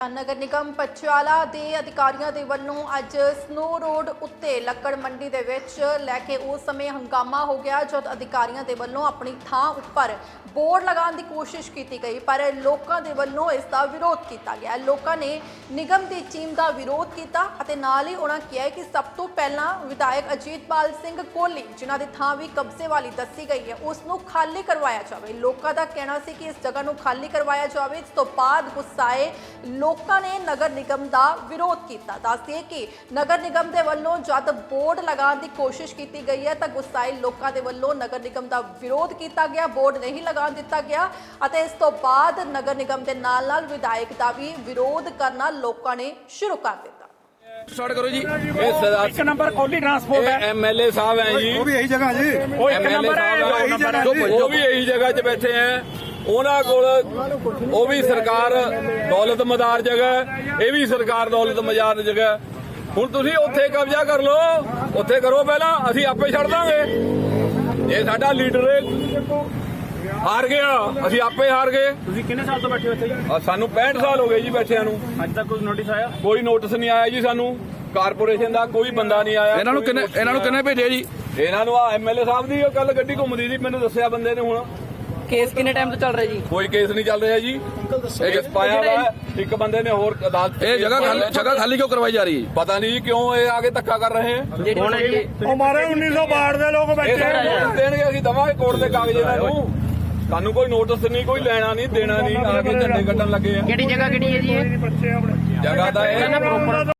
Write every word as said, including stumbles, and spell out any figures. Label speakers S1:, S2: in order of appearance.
S1: ਨਗਰ ਨਿਗਮ ਪਟਿਆਲਾ ਦੇ ਅਧਿਕਾਰੀਆਂ ਦੇ ਵੱਲੋਂ ਅੱਜ ਸਨੋ ਰੋਡ ਉੱਤੇ ਲੱਕੜ ਮੰਡੀ ਦੇ ਵਿੱਚ ਲੈ ਕੇ ਉਸ ਸਮੇਂ ਹੰਗਾਮਾ ਹੋ ਗਿਆ ਜਦ ਅਧਿਕਾਰੀਆਂ ਦੇ ਵੱਲੋਂ ਆਪਣੀ ਥਾਂ ਉੱਪਰ ਬੋਰਡ ਲਗਾਉਣ ਦੀ ਕੋਸ਼ਿਸ਼ ਕੀਤੀ ਗਈ ਪਰ ਲੋਕਾਂ ਦੇ ਵੱਲੋਂ ਇਸ ਦਾ ਵਿਰੋਧ ਕੀਤਾ ਗਿਆ। ਲੋਕਾਂ ਨੇ ਨਿਗਮ ਦੀ ਟੀਮ ਦਾ ਵਿਰੋਧ ਕੀਤਾ ਅਤੇ ਨਾਲ ਹੀ ਉਹਨਾਂ ਕਿਹਾ ਕਿ ਸਭ ਤੋਂ ਪਹਿਲਾਂ ਵਿਧਾਇਕ ਅਜੀਤਪਾਲ ਸਿੰਘ ਕੋਹਲੀ ਜਿਨ੍ਹਾਂ ਦੀ ਥਾਂ ਵੀ ਕਬਜ਼ੇ ਵਾਲੀ ਦੱਸੀ ਗਈ ਹੈ ਉਸ ਨੂੰ ਖਾਲੀ ਕਰਵਾਇਆ ਜਾਵੇ। ਲੋਕਾਂ ਦਾ ਕਹਿਣਾ ਸੀ ਕਿ ਇਸ ਜਗ੍ਹਾ ਨੂੰ ਖਾਲੀ ਕਰਵਾਇਆ ਜਾਵੇ। ਇਸ ਤੋਂ ਬਾਅਦ ਗੁੱਸਾਏ ਲੋਕਾਂ ਨੇ ਨਗਰ ਨਿਗਮ ਦਾ ਵਿਰੋਧ ਕੀਤਾ। ਦੱਸਦੇ ਕਿ ਨਗਰ ਨਿਗਮ ਦੇ ਵੱਲੋਂ ਜਦ ਬੋਰਡ ਲਗਾਉਣ ਦੀ ਕੋਸ਼ਿਸ਼ ਕੀਤੀ ਗਈ ਹੈ ਤਾਂ ਗੁੱਸਾਏ ਲੋਕਾਂ ਦੇ ਵੱਲੋਂ ਨਗਰ ਨਿਗਮ ਦਾ ਵਿਰੋਧ ਕੀਤਾ ਗਿਆ, ਬੋਰਡ ਨਹੀਂ ਲਗਾਉਣ ਦਿੱਤਾ ਗਿਆ ਅਤੇ ਇਸ ਤੋਂ ਬਾਅਦ ਨਗਰ ਨਿਗਮ ਦੇ ਨਾਲ ਨਾਲ ਵਿਧਾਇਕ ਦਾ ਵੀ ਵਿਰੋਧ ਕਰਨਾ ਲੋਕਾਂ ਨੇ ਸ਼ੁਰੂ ਕਰ ਦਿੱਤਾ।
S2: स्टार्ट करो जी।
S3: एक नंबर कोहली ट्रांसपोर्ट है,
S2: एमएलए साहब हैं जी,
S4: वो भी यही जगह जी,
S3: वो एक नंबर है, वो
S4: यही
S3: नंबर
S4: जगह
S3: है।
S4: जी।
S2: वो भी यही जगह 'ਚ ਬੈਠੇ हैं। ਉਹਨਾਂ ਕੋਲ ਉਹ ਵੀ ਸਰਕਾਰ ਦੌਲਤ ਮਦਾਰ ਜਗ੍ਹਾ ਹੈ, ਇਹ ਵੀ ਸਰਕਾਰ ਦੌਲਤ ਮਦਾਰ ਜਗ੍ਹਾ। ਹੁਣ ਤੁਸੀਂ ਉੱਥੇ ਕਬਜ਼ਾ ਕਰ ਲਓ, ਉੱਥੇ ਕਰੋ ਪਹਿਲਾਂ, ਅਸੀਂ ਆਪੇ ਛੱਡ ਦਾਂਗੇ। ਇਹ ਸਾਡਾ ਲੀਡਰ ਹਾਰ ਗਿਆ, ਅਸੀਂ ਆਪੇ ਹਾਰ ਗਏ।
S3: ਤੁਸੀਂ ਕਿੰਨੇ ਸਾਲ ਤੋਂ ਬੈਠੇ ਹੋ ਇੱਥੇ ਜੀ?
S2: ਆ ਸਾਨੂੰ ਪੈਂਹਠ ਸਾਲ ਹੋ ਗਏ ਜੀ ਬੈਠਿਆਂ ਨੂੰ,
S3: ਅੱਜ ਤੱਕ ਕੋਈ ਨੋਟਿਸ ਆਇਆ?
S2: ਕੋਈ ਨੋਟਿਸ ਨਹੀਂ ਆਇਆ ਜੀ ਸਾਨੂੰ। ਕਾਰਪੋਰੇਸ਼ਨ ਦਾ ਕੋਈ ਬੰਦਾ ਨਹੀਂ ਆਇਆ।
S4: ਇਹਨਾਂ ਨੂੰ ਕਿੰਨੇ ਇਹਨਾਂ ਨੂੰ ਕਿੰਨੇ ਭੇਜਿਆ ਜੀ?
S2: ਇਹਨਾਂ ਨੂੰ ਆ ਐਮਐਲਏ ਸਾਹਿਬ ਦੀ ਕੱਲ ਗੱਡੀ ਘੁੰਮਦੀ ਸੀ, ਮੈਨੂੰ ਦੱਸਿਆ ਬੰਦੇ ਨੇ। ਹੁਣ
S5: ਕੇਸ ਕਿੰਨੇ ਟਾਈਮ ਤੋਂ ਚੱਲ ਰਿਹਾ ਜੀ?
S2: ਕੋਈ ਕੇਸ ਨਹੀਂ ਚੱਲ ਰਿਹਾ ਜੀ। ਇਹ ਪਾਇਆ ਵਾ ਇੱਕ ਬੰਦੇ ਨੇ ਹੋਰ ਅਦਾਲਤ।
S4: ਇਹ ਜਗ੍ਹਾ ਖਾਲੀ ਜਗ੍ਹਾ ਖਾਲੀ ਕਿਉਂ ਕਰਵਾਈ ਜਾ ਰਹੀ ਹੈ?
S2: ਪਤਾ ਨਹੀਂ ਕਿਉਂ ਇਹ ਆਗੇ ਧੱਕਾ ਕਰ ਰਹੇ ਹੈ।
S3: ਹੁਣ ਜੀ
S4: हमारे उन्नीस सौ बाढ़ ਦੇ ਲੋਕ
S2: ਇਹ ਸਾਨੂੰ ਨੋਟਿਸ ਦੇਣਗੇ, ਅਸੀਂ ਦਵਾਂਗੇ ਕੋਰਟ ਦੇ ਕਾਗਜ਼ ਇਹਨਾਂ ਨੂੰ। ਸਾਨੂੰ ਕੋਈ ਨੋਟਿਸ ਨਹੀਂ, ਕੋਈ ਲੈਣਾ ਨਹੀਂ ਦੇਣਾ ਨਹੀਂ। ਆ ਕੇ ਝੰਡੇ ਕੱਢਣ ਲੱਗੇ ਆ।
S5: ਕਿਹੜੀ ਜਗ੍ਹਾ ਕਿਹੜੀ ਹੈ ਜੀ ਇਹ?
S2: ਜਗ੍ਹਾ ਦਾ ਇਹ